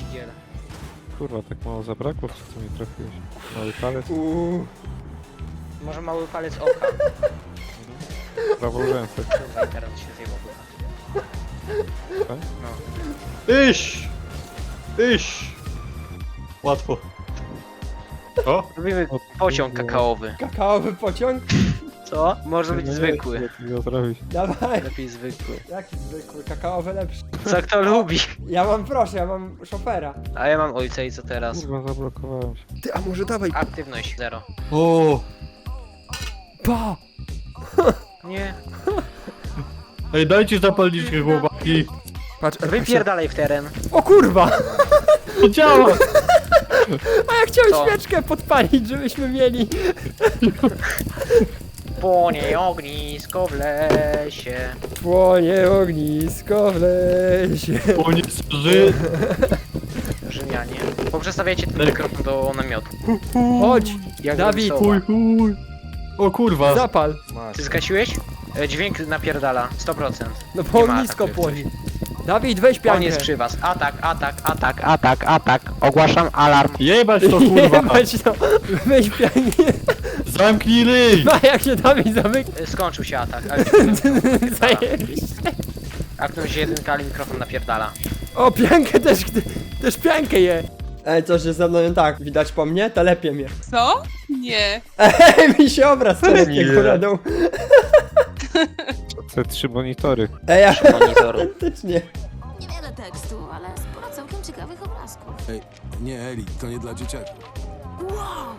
pierdzielę. Kurwa, tak mało zabrakło, w co mi trafiłeś? Mały palec, Może mały palec oka. prawą ręce. Kurwa, internet się zjebał chyba. Tak? No. Iść! Łatwo. O! Robimy pociąg kakaowy. Kakaowy pociąg? Co? Może być zwykły. Jak mi go zrobić? Dawaj. Lepiej zwykły. Jaki zwykły, kakaowy lepszy. Co kto lubi? Ja mam, proszę, ja mam szofera. A ja mam ojca i co teraz? Kurwa, zablokowałem się. Ty, a może dawaj. Aktywność 0. O! Pa! Nie. Ej, dajcie zapalniczkę, chłopaki! Patrz, Wypierdalaj w teren. O kurwa! To działa! A ja chciałem Co? świeczkę podpalić, żebyśmy mieli. Płonie ognisko w lesie. Płonie ognisko w lesie. O nie straży! Rzymianie. Poprzestawiajcie ten mikrofon do namiotu. Chodź, Jak Dawid. Robsowa. Chuj! O kurwa! zapal. Ty zgasiłeś? Dźwięk napierdala. 100%. No bo Nie ma ognisko ataku, płonie. Dawid, weź On piankę. jest przy was. Atak. Ogłaszam alarm. Jebać to kurwa! Jebać to. Weź piankę. Zamknij ryj! A jak się Dawid zamyka. Skończył się atak, ale Zajebiście. aktywność 1, ale mikrofon napierdala. O, piankę też piankę je. Ej, coś jest ze mną nie tak. Widać po mnie? Telepie mnie. Co? Nie. Ej, mi się obraz telepie Nie. góradą. Te 3 monitory. Ej, ja Monitoru. faktycznie. Niewiele tekstu, ale sporo całkiem ciekawych obrazków. Ej, nie Eli, to nie dla dzieciaków. Wow!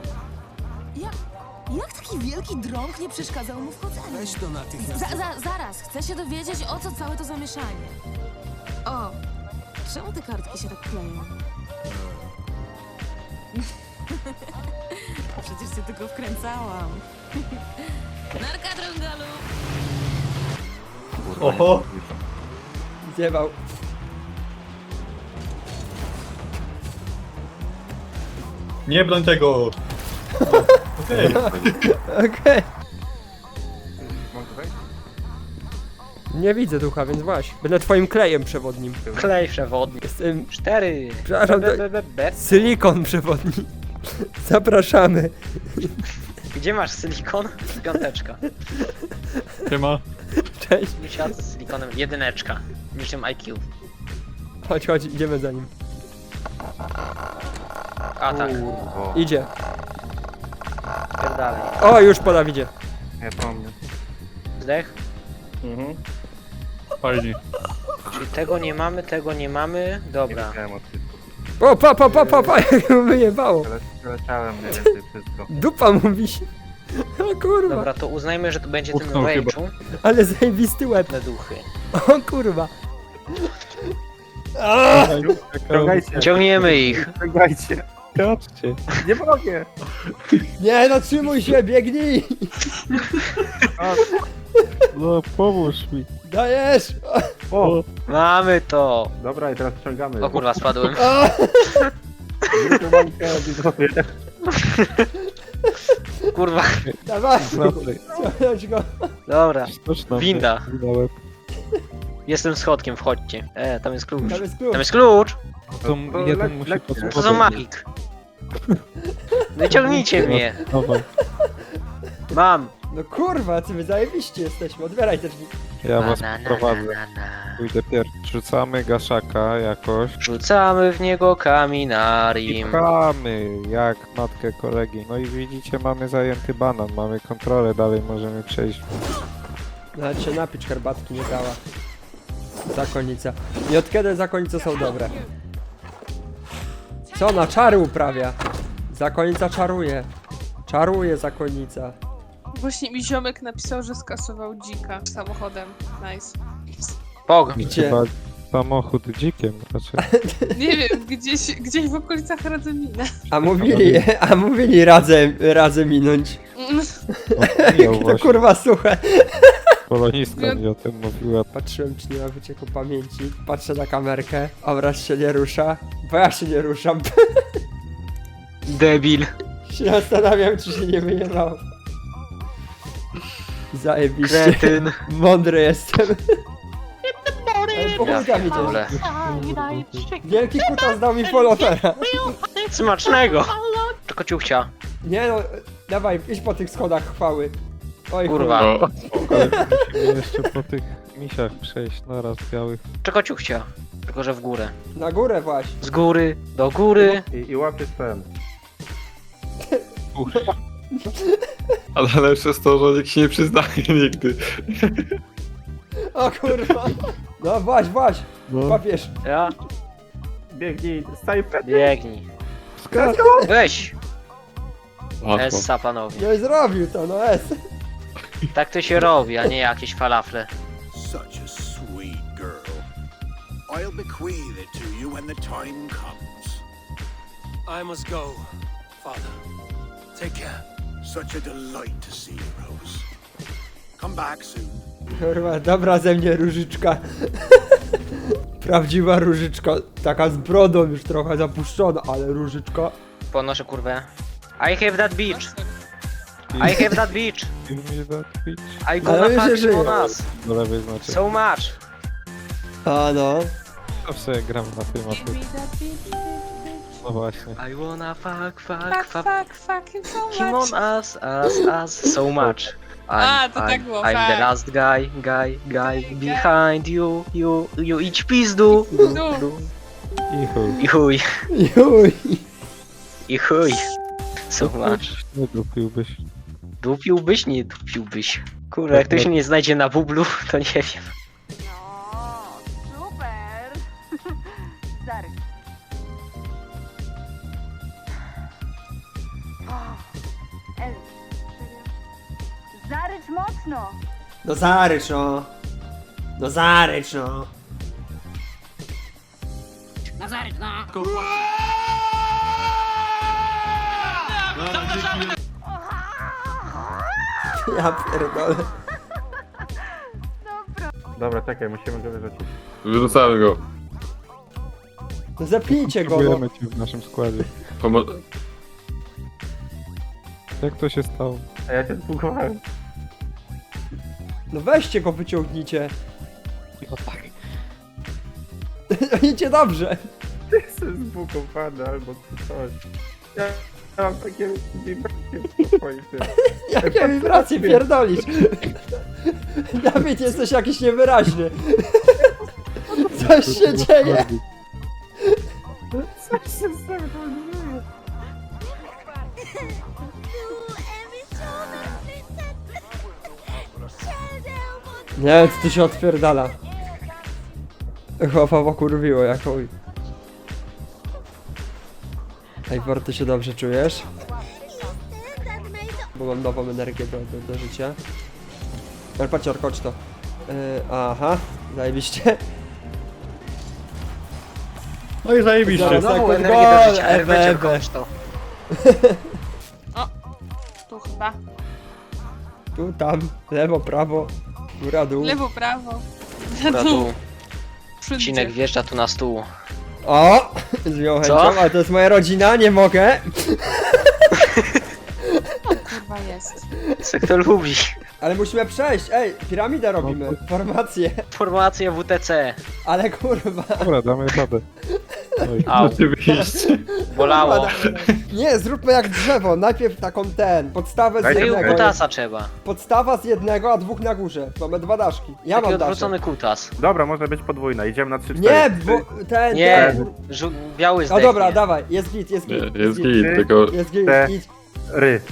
Jak taki wielki drąg nie przeszkadzał mu w chodzeniu? Weź to natychmiast. Zaraz, chcę się dowiedzieć, o co całe to zamieszanie. O, czemu te kartki się tak kleją? Przecież się tylko wkręcałam. Narka drągalu! Oho! Zjebał. Nie broń tego! Okej. Okej. Nie widzę ducha, więc właśnie. Będę twoim klejem przewodnim. Klej przewodni. Jestem 4. Przepraszam, silikon przewodni. Zapraszamy. Gdzie masz silikon? Piąteczka. Siema. Cześć. Misiad z silikonem 1. Niczym IQ. Chodź, idziemy za nim. Atak. Idzie. Pierdalej. O, już po Dawidzie. Ja pomnę. Zdech. Fajnie. Czyli tego nie mamy. Dobra. O, pa, jak mu wyjebało. Przeleciałem mniej więcej wszystko. Dupa mówi się. O kurwa, Dobra, to uznajmy, że to będzie ten Utknął chyba. rage'u. ale zajebisty łeb. Na duchy. O kurwa. Ciągniemy ich. Czekajcie. Kaczcie. Nie mogę. Nie no, trzymaj się, biegnij. No, pomóż mi. Dajesz. O! Mamy to. Dobra, i teraz ściągamy. O kurwa, spadłem. O, Kurwa. dawaj, Dobry. ciągnąć go. Dobra. Sztuczna Winda. łeb. Jestem schodkiem, wchodźcie. Tam jest klucz. Tam jest klucz. Tam jest klucz! To jeden musi To za magik. No i ciągnijcie mnie. Dawaj. Mam. No kurwa, co my zajebiście jesteśmy, otwieraj te drzwi. Ja was Na, na, na, prowadzę. na, na. Pójdę pierwszy. Rzucamy gaszaka jakoś. Rzucamy w niego kaminarium. Pchamy jak matkę kolegi. No i widzicie, mamy zajęty banan, mamy kontrolę, dalej możemy przejść. Nawet się napić herbatki nie dała. Zakonnica. I od kiedy zakonice są dobre? Co ona czary uprawia? Zakonnica czaruje. Czaruje zakonnica. Właśnie mi ziomek napisał, że skasował dzika samochodem. Nice. Pog. Gdzie? Chyba samochód dzikiem raczej. Nie wiem, gdzieś w okolicach Radzymina. A mówili radzę minąć. No, To właśnie, kurwa suche. polonistka mi o tym mówiła. Patrzyłem, czy nie ma wycieku pamięci. Patrzę na kamerkę. Obraz się nie rusza. Bo ja się nie ruszam. Debil. Się zastanawiam, czy się nie wyjebało. Zajebiście. Kretyn. Mądry jestem. Ale Po chuj tam w idziesz. ogóle. Wielki kutas dał mi polotera. Smacznego! Tylko ciuchcia. Nie no, dawaj, idź po tych schodach chwały. Oj Kurwa. O, Ale musimy jeszcze po tych misiach przejść naraz białych. Tylko ciuchcia. Tylko, że w górę. chuj. Na górę właśnie. Z góry, do góry. I łapiesz ten. ale lepsze jest to, że nikt się nie przyznaje nigdy. O kurwa. No właśnie, No. papież. Ja? Biegnij, staj Biegnij. Weź! Łatwo. Essa, panowie. No i zrobił to, no S. Tak to się robi, a nie jakieś falafle. Such a sweet girl. I'll bequeath it to you when the time comes. I must go, father. Take care. Such a delight to see you, Rose. Come back soon. Kurwa, dobra ze mnie różyczka. Prawdziwa różyczka. Taka z brodą już trochę zapuszczona, ale różyczka. Podnoszę kurwę. I have that beach. I have that beach. Give me that bitch. I gonna Ale mi się fuck żyje. on us. Do lewej znaczy. So much. A no. Zawsze gram na tym, a Give tu. me that bitch, bitch, bitch. No właśnie. I wanna fuck, fuck, Fuck, fuck. fuck, fuck him so Him much. on us, so much. A, to tak było, I'm the fuck. last guy behind you, you idź pizdu. I chuj. I chuj, Juj. i chuj. So much. Nie dupiłbyś. Dupiłbyś, nie dupiłbyś. Kurde, jak to się nie znajdzie na bublu, to nie wiem. No, super! Zaryk. El, zarycz mocno! No zarycz no. No zarycz no. Ja pierdolę. Dobra, czekaj, musimy go wyrzucić. Wyrzucamy go. No zepnijcie go no. Próbujemy cię w naszym składzie. Pomo- Jak to się stało? A ja cię zbugowałem. No weźcie go, wyciągnijcie. No tak. Idzie dobrze. Jestem zbugowany albo coś. Ja mam takie wibracje w swoim tym. Jakie wibracje pierdolisz. Dawid, jesteś jakiś niewyraźny. Coś się dzieje. Coś się z tym dzieje. Nie, co tu się odpierdala. Chłopa kurwiło jak chuj. Ej, ty się dobrze czujesz? Bo mam nową energię do życia. Ale patrz, chodź to. Aha, zajebiście. No i zajebiście. Zaraz. Znowu Sekund, energię do gol, życia, ewe, Ewe, ewe. to. Tu chyba. Tu, tam, lewo, prawo, góra, dół. Lewo, prawo. Dobra, tu Wszędzie. Cinek wjeżdża tu na stół. O! Z miłą Co? chęcią, ale to jest moja rodzina, nie mogę. Kurwa jest. Co kto lubi. Ale musimy przejść, ej, piramidę robimy, formację. Formacje WTC. Ale kurwa. Dobra, damy radę. Oj. Au, Oczywiście. bolało. Nie, zróbmy jak drzewo, najpierw taką podstawę z Dajcie No i jednego. kutasa trzeba. Podstawa z jednego, a dwóch na górze. Mamy dwa daszki. Ja Taki mam daszek. odwrócony kutas. Dobra, może być podwójna, idziemy na 3-4. Nie, bo ten, Nie, ten. biały O zdechnie. dobra, dawaj, jest git, jest Nie, git. jest git, tylko... Jest git, Te- git. Ry.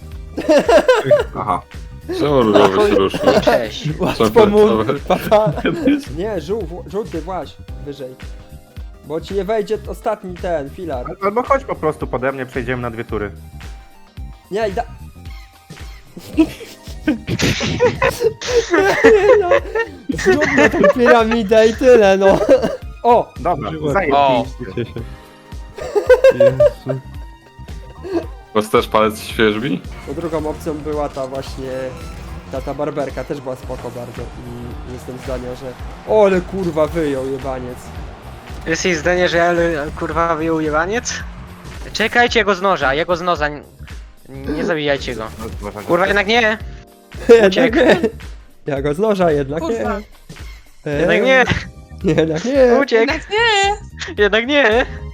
Aha. Czemu różowy się ruszył? Cześć. Łatwo mu, Dobra. papa. Nie, żółty właśnie, wyżej. Bo ci nie wejdzie ostatni ten, filar. Albo chodź po prostu pode mnie, przejdziemy na 2 tury. Nie, i da... no, zróbmy tą piramidę i tyle, no. O! Dobra, O. zajebiście. Cię się. Jezu. Was też palec świeżbi? No drugą opcją była ta właśnie... Ta barberka też była spoko bardzo i jestem zdania, że... O, ale kurwa wyjął jebaniec. Jest jej zdanie, że ja kurwa wyjął jebaniec? Czekajcie jego z noża, jego z noża. Nie zabijajcie go. Kurwa, jednak nie. Jednak Uciekł. nie. Ja go z noża, jednak nie. Kurwa. Jednak nie. Nie, nie. Uciekł! Jednak nie! Jednak nie!